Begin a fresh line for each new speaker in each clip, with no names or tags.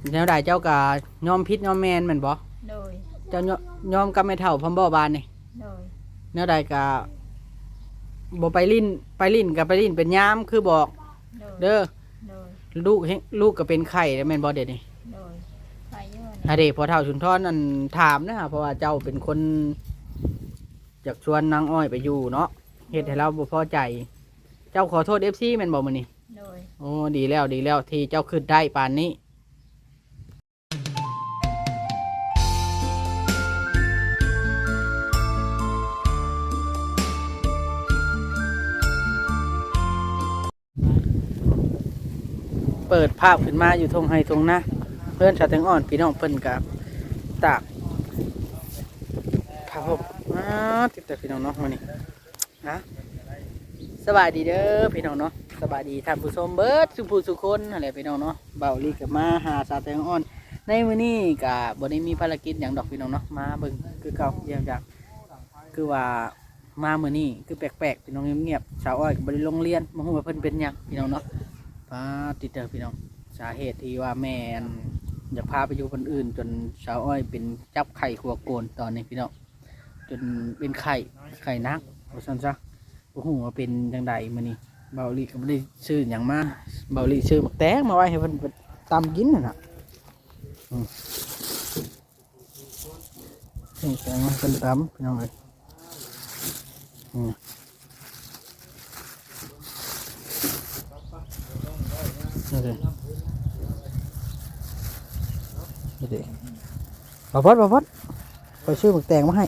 แนวใดเจ้าก็ยอมพิษยอมแมนแม่นบ่
โดย
เจ้ายอมกับแม่เฒ่าพร้อมบ่บานนี่
โดย
แนวใดก็บ่ไปลิ้นก็ไปลิ้นเป็นยามคือบอก
โดย
เด้อ
โดย
ลูกก็เป็นไข้แล้วแม่นบ่เด็ดนี่
โดยไปเยอะ
ถ้าเด็กพอเฒ่าสุนทรนั่นถามนะเพราะว่าเจ้าเป็นคนอยากชวนนางอ้อยไปอยู่เนาะเฮ็ดให้เราบ่พอใจ เจ้าขอโทษ FC แม่นบ่มื้อนี้
โดย
โอ้ดีแล้วที่เจ้าขึ้นได้ปานนี้เปิดภาพขึ้นมาอยู่ทงไฮทงนะเพื่อนชาวแตงอ่อนพี่น้องเพิ่นกับตากผ้าห่มติดแต่พี่น้องเนาะมื้อนี้นะสบายดีเด้อพี่น้องเนาะสบายดีท่านผู้ชมเบิดสุผู้สุคนอะไรพี่น้องเนาะเบาลีกับมาหาชาวแตงอ่อนในมื้อนี้ก็บ่ได้มีภารกิจหยังดอกพี่น้องเนาะมาเบิ่งคือเก่าเยี่ยมจากคือว่ามามื้อนี้คือแปลกๆพี่น้องเงียบๆชาวอ้อยก็บ่ได้ลงเรียนบ่ฮู้ว่าเพิ่นเป็นหยังพี่น้องเนาะป้าติดเด้อพี่น้องสาเหตุที่ว่าแม่นอยากพาไปอยู่คนอื่นจนชาวอ้อยเป็นจับไข่ขัวโกนตอนนี้พี่น้องจนเป็นไข่นักว่าซั่นซะบ่ฮู้ว่าเป็นจังใดมื้อนี้เบาลีก็บ่ได้ซื้อหยังมาเบาลีซื้อหมักแตงมาไว้ให้เพิ่นตำกินนั่นน่ะนี่แตงมาเพิ่นตำพี่น้องเอ้ยนี่เด้นี่เด้บ่พอดไปซื้อหมักแตงมาให้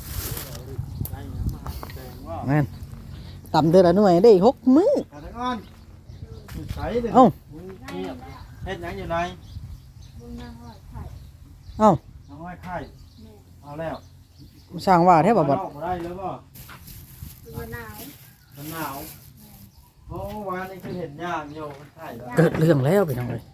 แม่นตำเดือนละหน่วยได้6 มื้อ
ขาตะก้อนใส่เด้อ
เอ้า
เฮ็ดหยังอยู่ไหน
บุญนางหอยไข่
เอ้า
น้องห้อยไข่เอาแล้ว
สร้างว่าแท้บ่บัด
เอาได้แล้วบ่
บุญนาว
มันหนาวโอ้วานนี้คือเห็นยากอยู่มันไข่แล้ว
เกิดเรื่องแล้วพี่น้องเอ้ย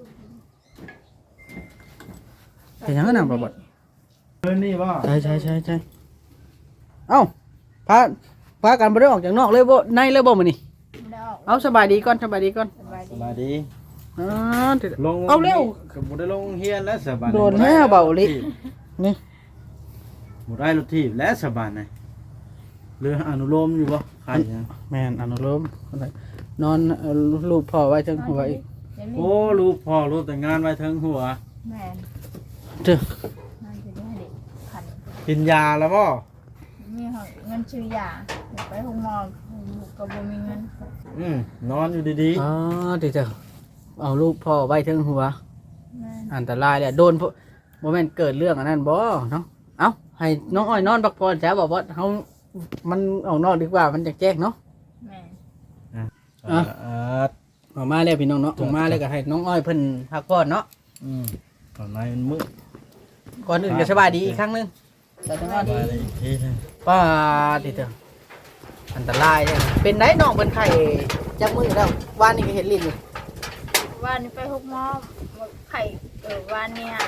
เป็นหยังน่ะบ่บัด
เพิ่นนี่บ่
ใช่เอ้าพากันบ่ได้ออกจากนอกเลยบ่ในเลยบ่มื้อนี้
ไม่ได้ออก
เอาสบายดีก่อน
สบาย
ส
ดี
บายดี
อ๋อ
ลง
เอาเร็ว
ก็บ่ได้ลงเฮียนแล้วสบาย
โดนแล้วเบาลินี่
บ่ได้รถถีบแล้วสบายนะเรืออนุโลมอยู่บ่ไข่นะ
แม่นอนุโลมนอนรูปพ่อไว้จังหัวอีก
โอ้รูปพ่อรูปแต่งงานไว้เทิงหัว
แม่น
เด้อ
นั่นจะได้เด็กขัน
กินยาแล้วบ่
มีหอยเงินชื่อยาเดี๋ยวไปห้องหมอลูกก็บ่มีเงิน
นอนอยู่ดี
อ๋อเด้อเอารูปพ่อไว้จังหัว
แม่น
อันตรายเลยโดนบ่แม่นเกิดเรื่องอันนั้นบ่เนาะเอ้าให้น้องอ้อยนอนพักผ่อนจ้ะบอกว่าเฮามันออกนอกดีกว่ามันจะแจ้งเนาะ
แม่น
ๆ
อ่ะ ออกมาแล้วพี่น้องเนาะออกมาแล้วก็ให้น้องอ้อยเพิ่นพักผ่อนเนาะ
ตอนนี้มันมืด
ก่อนอื่นก็สบายดีอีกครั้งหนึงสบายดี
ไปอีกทีหนึ่ง
ป้าติเถอะอันตรายเลยเป็นได้น้องเป็นไข่จับมือแล้วว่านนี่ก็เห็นลิ้นอยู่
วันนี้ไปห้องหมอไข่วันเนี้ย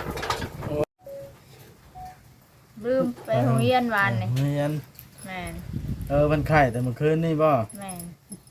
ลืมไปโรงเรียนวันนี่
เรียน
แม่น
มันไข่แต่เมื่อคืนนี่บ่
แม่น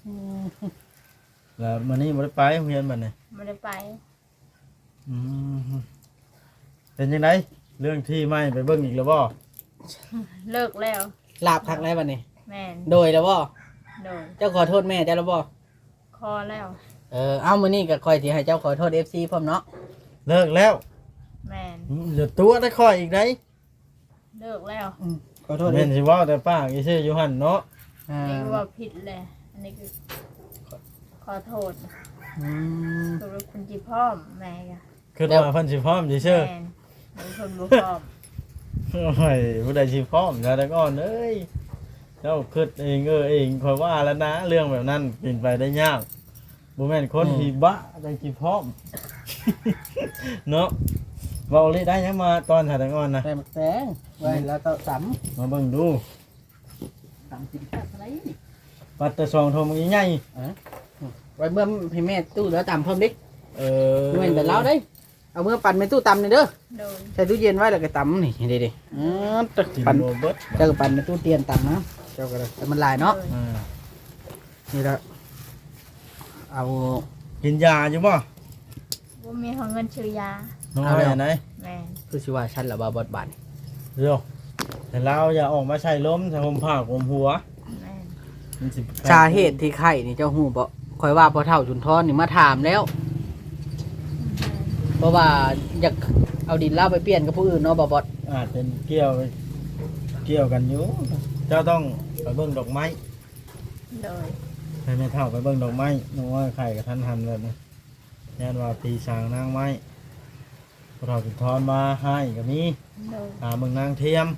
แล้วมันนี่บ่ได้ไปโรงเรียนบัดนี้
ไม่ได้ไป
อืมเป็นยังไงเรื่องที่ไม่ไปเบิ่งอีกแล้วบ่
เลิกแล้ว
ลาบคักแล้วบัดนี้
แม่น
โดยแล้วบ่
โดย
เจ้าขอโทษแม่เจ้าแล้วบ่
คอแล้ว
เอามื้อนี้ก็คอยสิให้เจ้าขอโทษ FC พร้อมเนาะ
เลิกแล้ว
แม่น
อย่าตัวได้ค่อยอีกได้
เลิกแล้ว
ขอโทษ
แม่นสิเว้าแต่ป้าอีซื่ออยู่หั่นเนาะ
อ่า
นี่ว่าผิดเลยอันนี้คือขอโทษ
อืม
คือคุณจีพ่อมแม่กะ
คือว่าเพิ่นสิพร้อมซื่อ
แม่นเป็นคนบุพร้อม
โอ้ยผู้ใดสิพร้อมแล้วแต่ก่อนเอ้ยเจ้าคิดเองเองค่อยว่าแล้วนะ เรื่องแบบนั้นเป็นไปได้ยากบ่แม่นคนที่บะจังสิพร้อม เนาะเว้าเลยได้ยังมาตอนถ่ายแต่ก่อนนะ
แต่หมักแตงไว้แล้วต้องต
มาเบิ่งดู
ำกินข้าวอะไรนี่
ปัตตะซองโทรมึงใหญ่
ไว้เมื่อให้แม่ตู้แล้วตำเพิ่มดิ
เออ
เมื่อแต่เราได้เอาเมื่อปั่นไปตู้ตำนี่เด้อ
โดย
ใส่ตู้เย็นไว้แล้วก็ตำนี่เด็ดๆ
กิน
ปั่น
โรเบิร์ต
เจ้าก็ปั่นในตู้เตียนตำนะเจ้าก็เลยแต่มันลายเนาะ
โดย
นี่ละเอา
กินยาอยู่บ่
บ่บ่มีของเงินชื่อยา
น้องอ้อยอันไหน
แม่น
คือสิว่าฉันละบ่บดบาน
เดี๋ยวแต่เราอย่าออกมาใช้ล้มใช้ห่มผ้าห่มหัว
แม่น
มันสิ
สาเหตุที่ไข่นี่เจ้าฮู้บ่ข่อยว่าพอเฒ่าจุนทอนนี่มาถามแล้ว เพราะว่าอยากเอาดินเล่าไปเปลี่ยนกับผู้อื่นเนาะบ่บด
อาจเป็นเกี่ยวกันอยู่เจ้าต้องไปเบิ่งดอกไม้
โดย
ให้แม่เฒ่าไปเบิ่งดอกไม้น้องอ้อยไข่กับท่านหันเลยนะยันว่าปีสางนางไม้พอเฒ่าจุดทอนมาให้ก็มี
โดย
หาเมืองนางเทียม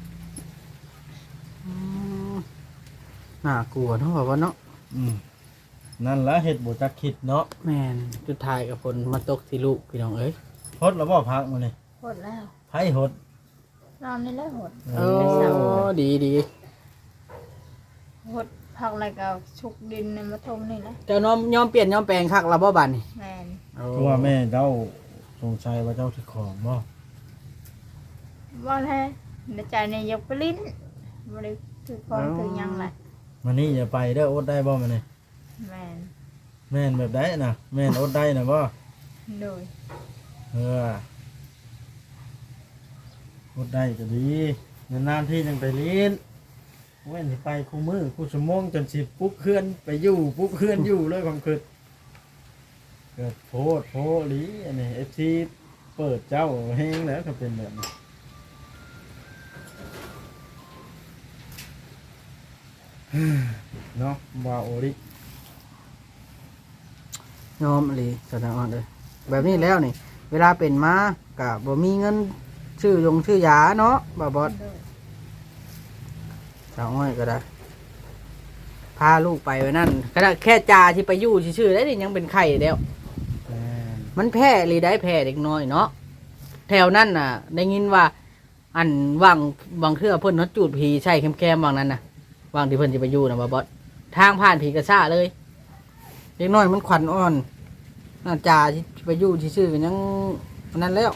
น่ากลัวเนาะบ่บดเนาะ
นั่นละเฮ็ดบ่จักคิดเนาะ
แม่นสุดท้ายกับผลมาตกที่ลูกพี่น้องเอ้ย
ฮดแล้วบ่พักมื้อนี้
หดแล้ว
ไผฮด
นอนนี่แหละหด
โอ้ดีดี
หดผักอะไรก็ชุกดินในมาทมนี่แหละ
เจ้าน้อมยอมเปลี่ยนยอมแปลงคักละบ่บานนี่
แม่น
คือว่าแม่เจ้าสงสัยว่าเจ้าสิของบ่
ว่าแท้ในใจในยกไปลิ้นบ่ได้ถือของถือหยังแหละ
มื้อนี้อย่าไปเด้ออดได้บ่มื้อนี้
แม่น
แม่นแบบใดน่ะแม่นอดได้น่ะบ่
โดย
เอออดได้ก็ดีนานๆที่จังไปเล่นเว้นสิไปคู่มือคู่ชั่วโมงจนสิปุ๊บเคลื่อนไปอยู่ปุ๊บเคลื่อนอยู่เลยความคิดเกิดโพดโพหลีอันนี้ FC เปิดเจ้าแฮงแล้วก็เป็นแบบนี้เนาะว่าโอริ
ยอมอีหลีแสดงอ่อนเลยแบบนี้แล้วนี่ เวลาเป็นมาก็บ่มีเงินชื่อยาเนาะบ่บด
โดย
สาวอ้อยก็ได้พาลูกไปไว้นั่นก็ได้แค่จาที่ไปอยู่ชื่อๆได้นี่ยังเป็นไข้แล้ว
แม่น
มันแพ้หรือได้แพ้เด็กน้อยเนาะแถวนั้นน่ะ ได้ยินว่า อันว่างบางเทื่อเพิ่นเนาะจูดผีใช่แคมๆบางนั้นน่ะวางที่เพิ่นจะไปอยู่นะบ่บอสทางผ่านผีกระซ่าเลยเด็กน้อยมันขวัญอ่อนน่าจ่าที่ไปอยู่ชื่อๆกันยังอันนั้นแล้ว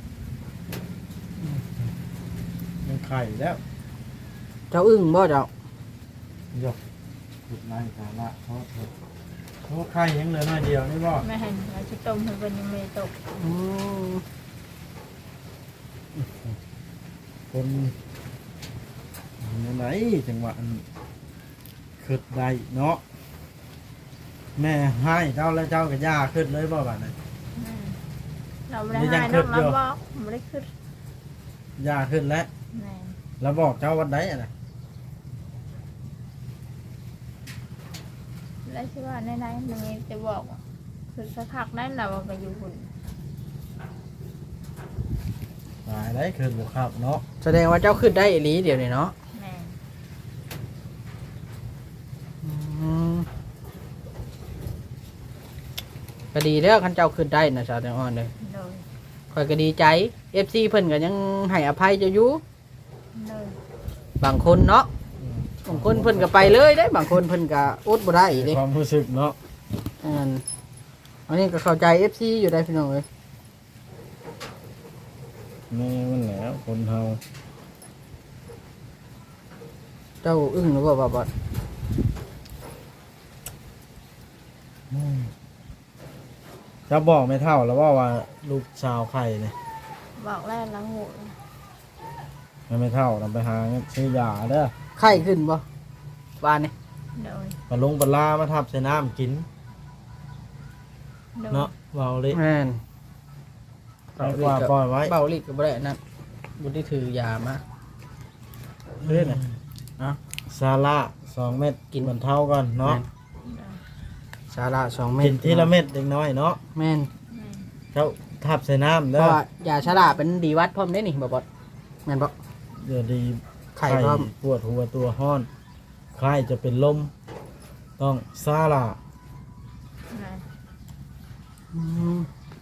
ยังไข่แล้ว
เจ้าอึ้งบ่เจ้าย
กขุดไล่สาระเพราะไข่ยังเหลือน้อยเดียวนี่บ่
แม่นเราจะต้มให้เพิ่นยังไม่ตก
อืม
คนไหนจังหวะอันขึ้นได้เนาะแม่ให้เจ้าแล้วเจ้ากับย่าขึ้นเลยบ่บัดนั้น
แม่นเราไม่ได้
นี่ยั
ให้
งขึ้
น้อน ง
อยู่
เราบอกไม่ได้ขึ้น
ย่าขึ้นแล้ว
แม่น
แล้วบอกเจ้าวันใดอ่ะนะ
แล้วชื่อว่าในๆมันจะบอกว่าคือสักพักนั้นเราไปอยู่หุ่น
ตายได้ขึ้นบ่ครับเนาะ
แสดงว่าเจ้าขึ้นได้อีหลีเดี๋ยวนี้เนาะ
แม่น
อืมก็ดีแล้วคันเจ้าขึ้นได้นะสาวแตงอ่อนเลย
โดย
ข่อยก็ดีใจ FC เพิ่นก็ยังให้อภัยเจ้าอยู่
โดย
บางคนเนาะบางคนเพิ่นก็ไปเลยได้ บางคนเพิ่นก็อดบ่ได้เด้
ความรู้สึกเนาะ
อันนี้ก็เข้าใจ FC อยู่ได้พี่น้องเอ้ย
แม่มันแหล้วคนเฮา
เจ้าอึ้งหรือบ่บ่บ่
จะบอกไม่เท่าแล้วว่าลูกชาวไข่เนี่ย
บอกแล้วเราหู
ไม่เท่านำไปหาเงินซื้อยาเด้อ
ไข้ขึ้นบ่ว่านี่
โดย
ปลงปลามาทับใส่น้ำกิน
โดย
เนาะเบาเลย
แม่น
เอากว่าปล่อยไว้
เบาลิดก็บ่ได้อันนั่นบ่ได้ถือยามา
เรื่อยนะ
อ่ะ
ซาร่า2 เม็ดกินบรรเทาก่อนเนาะ
สาระ2เม็ด
กินทีละเม็ดเล็กน้อยเนาะ
แม่น
แม่น
เจ้าทับใส่น้ำ
เพ
เด้อ
ราะว่ายาชราเป็นดีวัดพร้อมได้นี่บ่บ่แม่นบ่
เดี๋ยวดี
ไข่พร้อม
ปวดหัวตัวห้อนไข้จะเป็นลม ต้องซาร่า
แม่น
อืม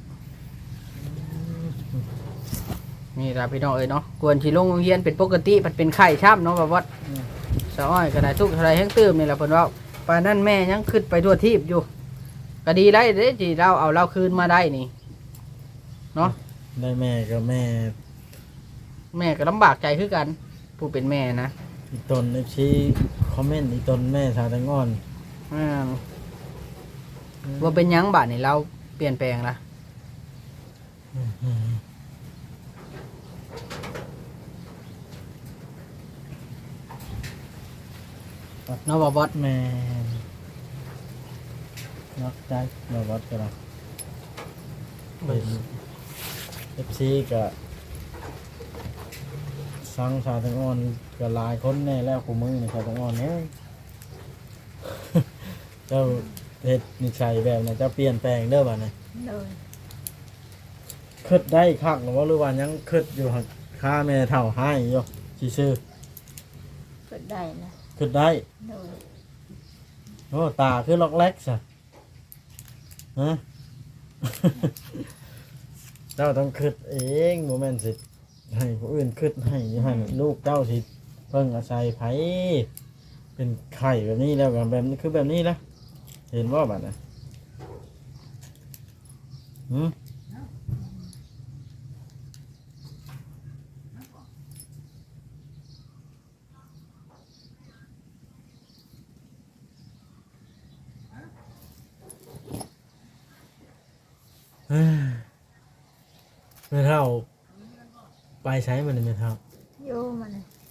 นี่ล่ะพี่น้องเอ้ยเนาะควรสิลงโรงเรียนเป็นปกติมันเป็นไข้ช้ำเนาะบ่บ่สาวอ้อยก็ได้ทุกข์เท่าไรแห้งตื้มนี่แหละเพิ่นเว้าปานนั้นแม่ยังขึ้นไปทั่วทีบอยู่ก็ดีแล้วเด้ที่เราเอาเราคืนมาได้นี่เนาะ
ได้แม่กับแม่
แม่ก็ลำบากใจคือกัน ผู้เป็นแม่นะ
อีตนชี้คอมเมนต์อีตนแม่ชาแตงอ่อน
ว่าเป็นหยังบาดนี่เราเปลี่ยนแปลงละเนาะบ่บอส
แม่นนอกใจบ่วัดก็ได้เป็น FC ก็สังชาวแตงอ่อนก็หลายคนแน่แล้วกูมือนี่ชาวแตงอ่อนเอ้ย เจ้าเฮ็ดนิสัยแบบนั้นเจ้าเปลี่ยนแปลงเด้อบัดนี้
โดย
คิดได้คักหรือว่าหรือว่ายังคิดอยู่หักค่าแม่เฒ่าให้อยู่ซื่อ
ก็ได้นะ
ๆคิดได้
โดย
โอ้ตาคือล็อกแรกซะฮะ เจ้าต้องคิดเองบ่แม่นสิให้ผู้อื่นคิดให้ลูกเจ้าสิเพิ่งอาศัยไผเป็นไข่แบบนี้แล้วก็แบบนี้คือแบบนี้นะเห็นบ่บัดน่ะหืม ไม่เท่าไปใช้มันไม่เท่า
โยมัน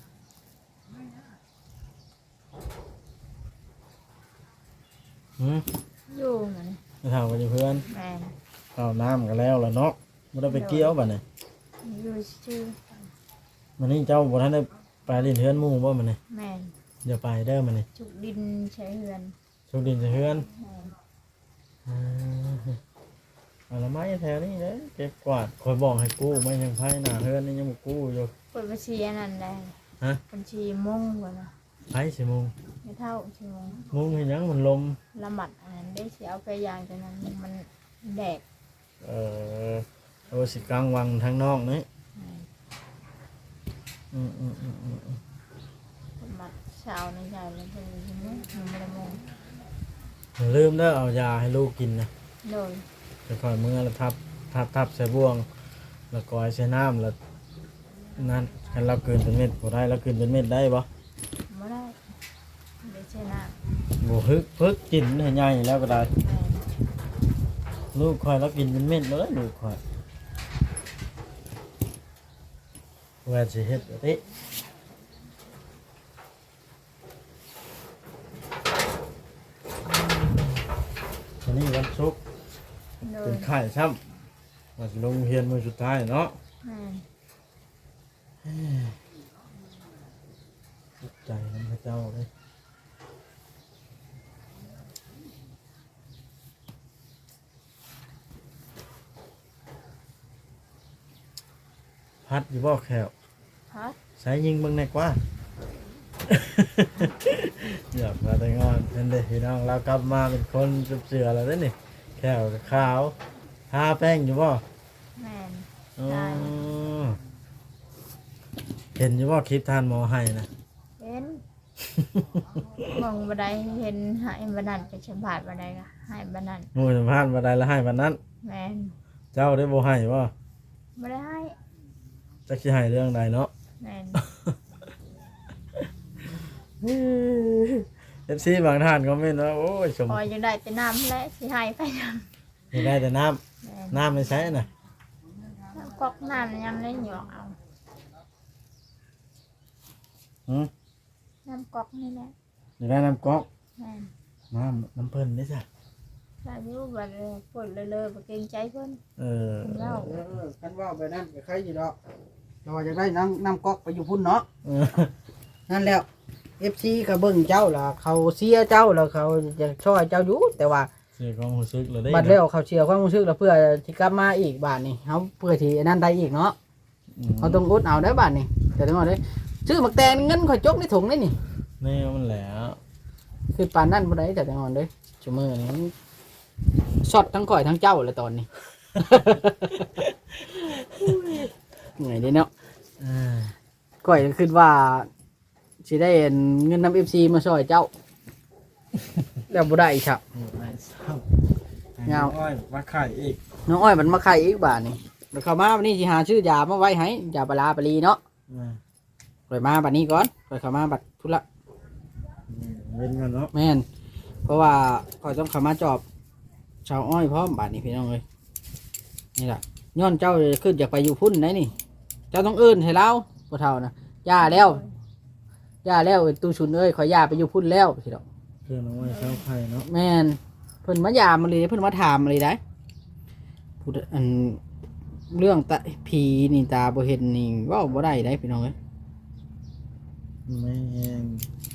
หืม
โยมัน
ไม่เท่ากันเพื่อน
แม่น
เอาน้ำกันแล้วล่ะเนาะไม่ได้ไปเกี่ยวบ่เนี่ย
โยชื่อ
มันนี่เจ้าบ่ทันได้ไปเล่นเฮือนหมู่บ่มันนี่
แม่น
อย่าไปเด้อมันนี่
จุกดินใช้เฮือน
โชคดีจะเฮือน
แม่น
อ่าเอาละไม้แถวนี้เด้อเก็บกวาดคอยบอกให้กู้ไม่ยังไผหน้าเฮือนนี่ยังบ่กู้อยู่
เปิดบัญชีอันนั้นได้
ฮะ
บัญชีม่งกว่านะ
ไผสิมุง
ไม่เท่าชั่วโมง
มุงเห็นหยังมันลม
ละหมัดอันนั้นได้เสียเอาไปยางจากนั้นมันแดก
เอ่อโอสิกลางวังทางนอกนี่
แม่น
อืม
ละหมัดเช้าในใจแล้วเป็นชั่วโมงมันไม่ได้โมง
อย่าลืมเด้อเอายาให้ลูกกินนะ
โดย
จะคอยมือแล้วทับใส่บ่วง แล้วก็ใส่น้ำแล้วนั่นให้เราเกินเป็นเม็ดบ่ได้เราเกินเป็นเม็ดได้บ่
ไม่ได้เดี๋ยวใช้น้
บ่พึกกินให้ใหญ่แล้วก็ได้
ำแม่น
ลูกคอยเรากินเป็นเม็ดเลยลูกคอยว่าสิเฮ็ดแบบนี้วันนี้วันศุกร์
โด
เป็
ย
นไข่ซ้ำว่าสิลงเรียนมื้อสุดท้ายเนาะ
แม่น
ตกใจน้ำพระเจ้าเลยพัดอยู่บ่แขว
พัด
ใช้ยิงเบิ่งแน่กว่า อยากมาแต่งอนนั่นเด้พี่น้องเรากลับมาเป็นคนเสือแล้วเด้อนี่แขวกับขาวทาแป้งอยู่บ่
แม่น
อ๋อ
ได้
เห็นอยู่บ่คลิปทานหมอให้นะ
เห็นมองบันไดเห็นหายบันนันไปชมบาดบันไดก็หายบันนัน
หมู่สัมภาษณ์บ่ได้แล้วให้วันนั้น
แม่น
เจ้าได้บ่ให้บ่
ไม่ได้ให้
จักสิให้เรื่องใดเนาะ
แม่น
FC บางท่านคอมเมนต์ว่าโอ้ยชม
พอยังได้แต่น้ำและสิให้ไปน้
ไม่ได้แต่น้ำ
ำแม่น
น้ำไม่ใช่น่ะ
น้ำก๊อกน้ำยังได้หยอกเอา
หืม
น้ำก๊อกนี่แหละ
อยู่ได้น้ำก๊อก
แม่น
น้ำเพิ่นได้จ้ะ
ถ้าอยู่บัดปวดเลยๆบ่เกรงใจเพิ่น
เออ
เล่า
กันว่าไปนั่นก็ใครอยู่ดอกเราจะได้น้ำก๊อกไปอยู่พุ่นเนาะ
เออ
นั่นแล้ว FC ก็เบิ่งเจ้าล่ะเขาเสียเจ้าแล้วเขาจะช่วยเจ้าอยู่แต่ว่า
เสียความรู้สึกเลยได้
บัดแล้วเขาเชียร์ความรู้สึกแล้วเพื่อที่กลับมาอีกบาทนี่เขาเพื่อที่นั่นได้อีกเนาะเขาต้องอดเอาได้บาทนี่แต่ทั้งหมดเลยซื้อหมักแตงเงินข่อยจกในถุงนี่นี่
แนี่มันแหละ
คือปานนั่นบ่ได้แต่ทั้งหมดเลยชั่วโมงนี้ช็อตทั้งข่อยทั้งเจ้าเลยตอนนี้ ไงดีเนาะ
เออ
ข่อยก็คิดว่าสิได้เงินนำ FC มาช่วยเจ้า แล้วบ่ได้อีกครับ
ไอ้ซ้
เงา
อ้อยมาไข่อีก
น้องอ้อยมันมาไข่อีกบาทนี่แล้วเข้ามาวันนี้สิหาชื่อยามาไว้ให้ยาปลาร้าปลีเนาะ
มา
ข่อยมาบัดนี้ก่อนข่อยเข้ามาบัดทุละ
เว้นกันเนาะ
แม่นเพราะว่าข่อยต้องเข้ามาจอบชาวอ้อยพร้อมบัดนี้พี่น้องเอ้ยนี่ล่ะย้อนเจ้าขึ้นอยากไปอยู่พุ่นไหนนี่ เจ้าต้องเอิ้นให้เราบ่เท่านะย่าแล้วตู้ชุนเอ้ยขอย่าไปอยู่พุ่นแล้วสิดอก
เพื่อนเอาไว้เช้าไข่เนาะ
แม่นเพิ่นมายามมาเลยเพิ่นมาถามมาเลยได้พูดอันเรื่องตาผีนี่ตาบ่เห็นนี่เว้าบ่ได้ได้พี่น้องเอ้ย
แม่น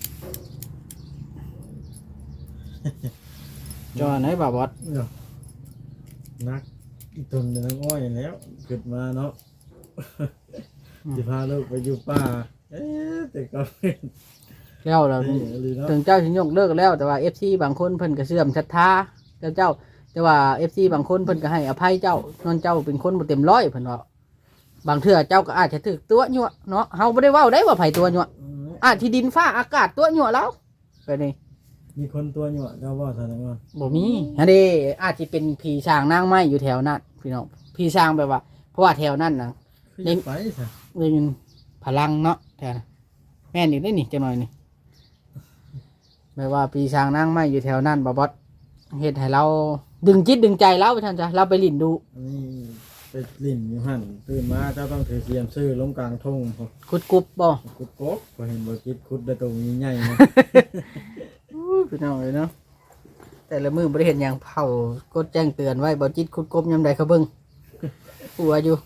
จอไหนบ่าวบอส
เนาะนักอีตุนเป็นน้ำอ้อยแล้วเกิดมาเนาะสิพาลูกไปอยู่ป่าแต่ก็
แล้วเรา
นี่เลยเนาะ
ถึงเจ้าสิยกเลิกแล้วแต่ว่า FC บางคนเพิ่นก็เสื่อมศรัทธาเจ้าแต่ว่า FC บางคนเพิ่นก็ให้อภัยเจ้านอนเจ้าเป็นคนบ่เต็มร้อยเพิ่นว่าบางเทื่อเจ้าก็อาจจะถูกตัวยั่วเนาะเฮาบ่ได้เว้าได้ว่าไผตัวยั่วอาจที่ดินฟ้าอากาศตัวยั่วแล้วไปนี่
มีคนตัวหยวดเจ้าว่าสารงอน
บ่มีฮะเด้อาจสิเป็นผีช้างนางไม้อยู่แถวนั้นพี่น้องผีช้างแบบว่าเพราะว่าแถวนั้นน่ะ
คือจะไปซะ
เลยเป็นพลังเนาะแถวนั้นแม่นอีกได้นี่จังหน่อยนี่แบบว่าผีช้างนางไม้อยู่แถวนั้นบ่บอสเฮ็ดให้เราดึงจิตดึงใจเราไปท่านจ้ะเราไปลิ้นดู
อันนี้ไปลิ่นอยู่หั่นตื่นมาเจ้าต้องถือเสียมซื้อลงกลางทุ่งพอ
คุดกุบบ่
ขุดกบก็เห็นบ่คิดขุดได้ตัวใหญ่ๆนะ
พี่น้องเลยเนาะแต่ละมือบริเห็นอย่างเผากดแจ้งเตือนไว้บ่จิตคุดกบยำใดเขาเบิ่งหัวอยู่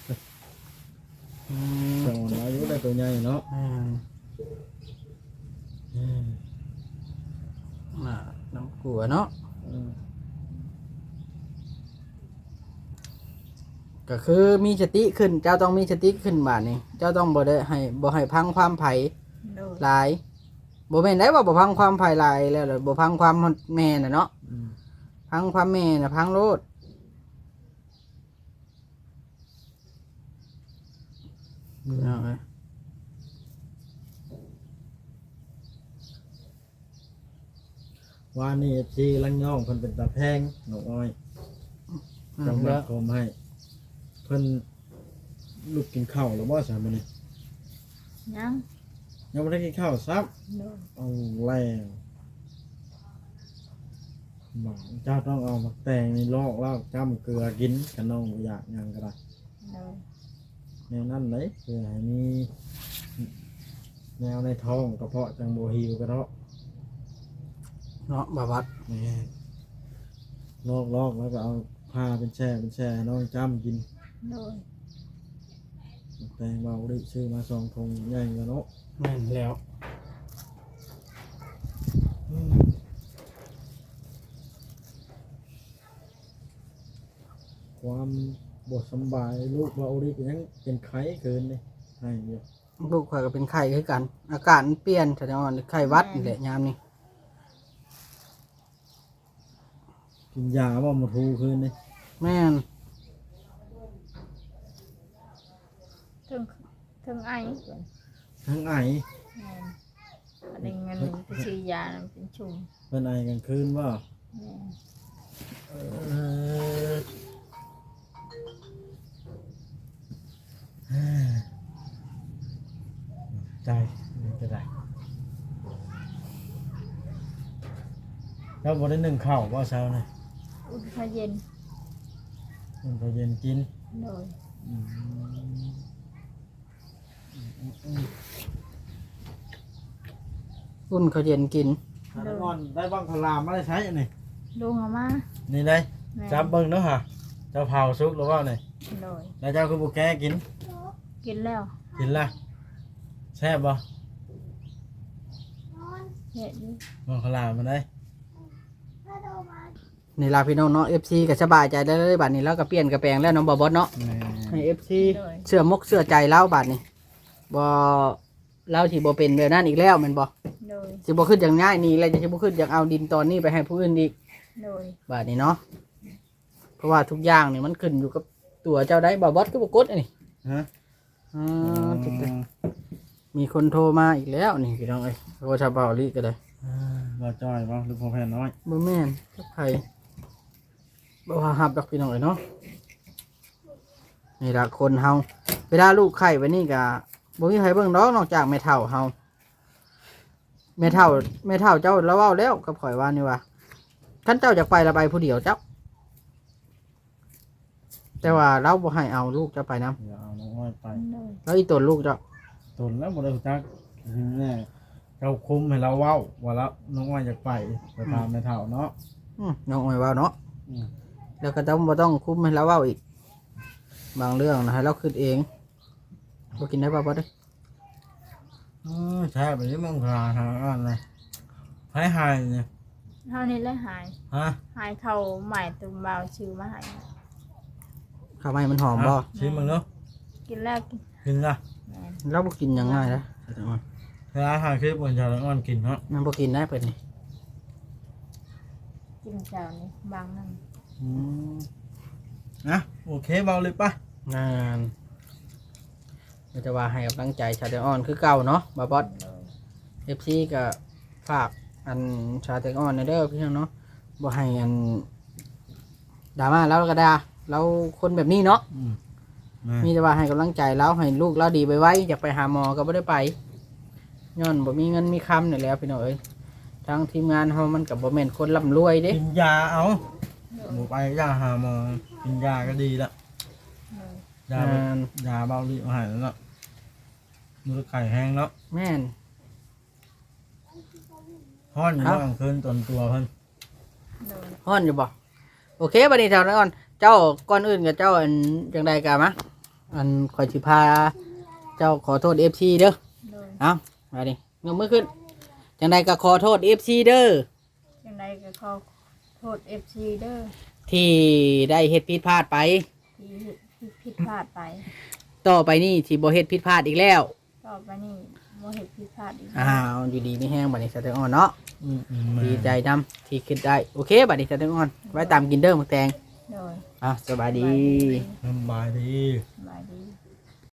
สองอายุได้ตัวใหญ่เนาะ
น้ำกลัวเนาะก็คือมีสติขึ้นเจ้าต้องมีสติขึ้นบาดนี้เจ้าต้องบ่ให้พังความไผ่
โดย
หลายบ่แม่นได้ว่าบ่พังความไผ่หลายแล้วล่ะบ่พังความแม่น่ะเนาะพังความแม่น่ะพังโลด
ว่านี่FC ลังย่องเพิ่นเป็นตาแพงหนูอ้อยจังหวัดผมให้เพิ่นลูกกินข้าวแล้วบ่ซะมื้อนี้
ยัง
ยังบ่ได้กินข้าวซับ
โดย
เอาแล้วบอกเจ้าต้องเอามาแต่งในลอกแล้วจ้ำเกลือกินกันน้องบ่อยากหยังก็ได้
โดย
แนวนั้นเลยคือให้มีแนวในท้องกระเพาะจังบ่หิวกระเทาะ
เนาะบาบัด
นี่ลอกแล้วก็เอาผ้าเป็นแช่ให้น้องจ้ำกิน
โดย
แต่งเบาดิซื้อมา2 ถุงใหญ่กว่าเนาะ
แม่นแล้ว
ความบทสำบายลูกเบาดิยังเป็นไข้เกินเลยให้เยอะ
ลูกข่อยก็เป็นไข้คือกัน อากาศมันเปลี่ยนแสดงว่าไข้หวัดนี่แหละยามนี้
กินยาบ่มาทูคืนเลย
แม่น
ถึงไอเกิน
ทั้งไอ
อันนี้เงินไปซื้อยาเป็นชุ่ม
เป็นไอกลางคืนว่า ใจมันจะได้แล้วบ่ได้นึ่งข้าวว่าเช้านะ
อุ่นข้าวเย็น
มันพอเย็นกิน
โดย
อุ่นข้าวเย็นกิน
แล้วก่อนได้บ้างพลามมาได้ใช้อันนี้
ลุงเอามา
นี่ได้
แม่
จับเบิ่งเนาะฮะเจ้าเผาซุกหรือว่าไง
โดย
แล้วเจ้าคือบุแกกิน
กินแล้ว
กินละแซ่บบ่
เห็ดอยู่
บ้างพลามมาได้
นี่ลาพี่น้องเนาะ FC ก็สบายใจได้เลยบัดนี้แล้วก็เปลี่ยนกระแปลงแล้วน้องบอบอสเนาะให้ FC เสื้อมกเสื้อใจเล่าบัดนี้บ่เล่าที่บ่เป็นแบบนั้นอีกแล้วแม่นบ่
โดย
สิบ่ขึ้นอย่างง่ายนี่แล้วจะสิบ่ขึ้นอย่างเอาดินตอนนี้ไปให้ผู้อื่นอีก
โดย
บัดนี้เนาะเพราะว่าทุกอย่างนี่มันขึ้นอยู่กับตัวเจ้าได้บอบอสก็บ่กดอันนี้
ฮะ
จิตมีคนโทรมาอีกแล้วนี่พี่น้องเอ้ยโทรชาวเบาลีก็ได้
บ่จอยบ่ลูกพ่อแพนน้อย
บ่แม่นจักไผบ่ว่าฮับดอกพี่น้องเอ้ยเนาะนี่ล่ะคนเฮาเวลาลูกไข่ไว้นี่ก็บ่มีไผเบิ่งดอกนอกจากแม่เฒ่าเฮาแม่เฒ่าเจ้าแล้วเว้าแล้วกับข่อยว่านี่ว่าคันเจ้าอยากไปละไปผู้เดียวเจ้าแต่ว่าเราบ่ให้เอาลูกเจ้าไปนํ
อย่าเอาน้องอ้อยไป
โดย
แล้วอีตนลูกเจ้า
ตนแล้วบ่ได้รู้จักแน่เราคุมให้เราเว้าว่าแล้วน้องอ้อยอยากไปตามแม่เฒ่าเนาะ
น้องอ้อยว่าเนาะ
อืม
แล้วก็ต้องบ่ต้องคุมให้เราเว้าอีก บางเรื่องนะให้เราคิดเองบ่กินได้ป่ะบ่ได้
ใช่ไปนี่มึงหาอันเลยหายเนี่ย
เท่านี้เลยหาย
ฮะ
หายเข้าใหม่ตุ่มเบาชื่อมาใหาย
ข้าวไม้มันหอมบ่
ชิมมึงเนาะ
กินแล้วกิน
กินละ
แม่น
เราบ่กินยังง่ายนะ
เวลาหาคลิปมันจะอ้อนกินเนาะ
มันบ่กินได้เพิ่นนี่
กินเจ้านี่บางนั่น
นะโอเคเบาเลยป่ะ
งานเราจะว่าให้กำลังใจชาเตออนคือเก่าเนาะบ่บอส FC ก็ฝากอันชาเตออนเด้อพี่น้องเนาะบ่ให้อันดราม่าแล้วก็ด่าเราคนแบบนี้เนาะ มีแต่ว่าให้กำลังใจเราให้ลูกเราดีไปไว้อยากไปหาหมอก็ไม่ได้ไปย้อนบ่มีเงินมีคำนี่แหล้วพี่น้องเอ้ยทางทีมงานเฮามันกับบ่แม่นคนร่ำรวยเด้
กินยาเอาหมูไปยาหาหมอกินยาก็ดีละ
โดย
ยาแบบยาเบาดีหายแล้วเนาะมือไข่แห้งแล้ว
แม่น
ห้อนอยู่บ้างคืนตนตัวเพิ่น
โดย
ฮ้อนอยู่บ่โอเคบัดนี้เท่านั้นก่อนเจ้าก่อนอื่นกับเจ้าอันจังใดกะมะอันขอยสิพาเจ้าขอโทษ FC เด้อ
โดย
เอ้ามาดิยกมือขึ้นจังใดก็ขอโทษ FC เด้อ
ยังไงก็ขอโทษ FC เด้อ
ที่ได้เฮ็ดผิดพลาดไป
ที่ผิดพลาดไป
ต่อไปนี่สิบ่เฮ็ดผิดพลาดอีกแล้ว
ต่อไปนี่บ่เฮ็ดผิดพลาดอีก
อ้าวอยู่ดีมีแห้งบัดนี้สะเตออนเนาะ ดีใจนำที่คิดได้โอเคบัดนี้จะต้องอ่อนไว้ตามกินเด้อหมึกแตง
โดย
สบายดี
สบายดี
สบายดี